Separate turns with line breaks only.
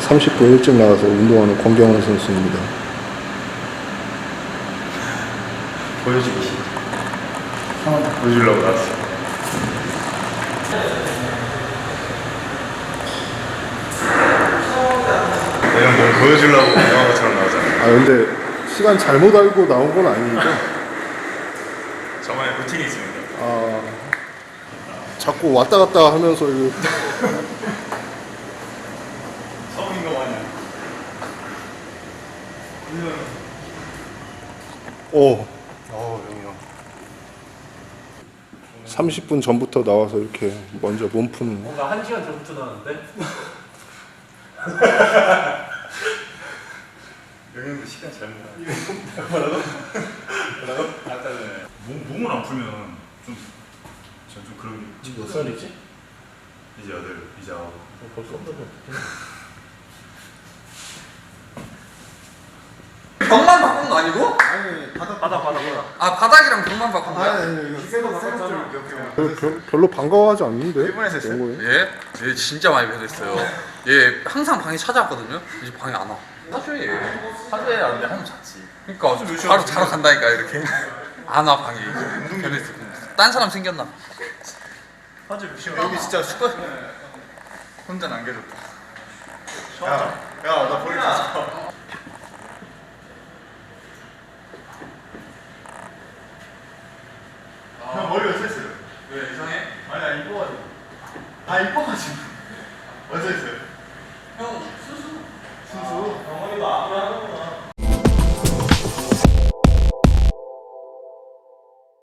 30분 일찍 나와서 운동하는 권경원 선수입니다.
보여주기 싫어. 보여주려고 나왔어. 내가 뭘 보여주려고 영화 것처럼 나오잖아.
아 근데 시간 잘못 알고 나온 건 아니죠?
저만의 루틴이 있습니다.
아 자꾸 왔다 갔다 하면서 이거
성인 거 마냥.
오
영희 형.
30분 전부터 나와서 이렇게 먼저 몸 푸는
뭔가 1시간 전부터 나왔는데?
영희 형도 시간 잘못 나. 뭐라고? 아까는 몸을 안 풀면 좀 그런 게.
지금 몇 살이지?
이제 8, 이제 9.
벌써 없는 거
벽만 바꾼 거 아니고?
아니
바닥
아 바닥이랑 벽만 바꾼 거야?
별로 반가워하지 않는데?
일본에서 했어요?
영국에?
얘? 얘 진짜 많이 변했어요. 얘 항상 방에 찾아왔거든요. 이제 방에 안 와. 사실 얘.
하루에 안 돼, 하면 잤지.
그러니까 바로 자러 간다니까 이렇게. 안 와 방에. 변했어. 딴 사람 생겼나?
하루 몇 시간? 여기 진짜 숙박 혼자 남겨줬다.
야,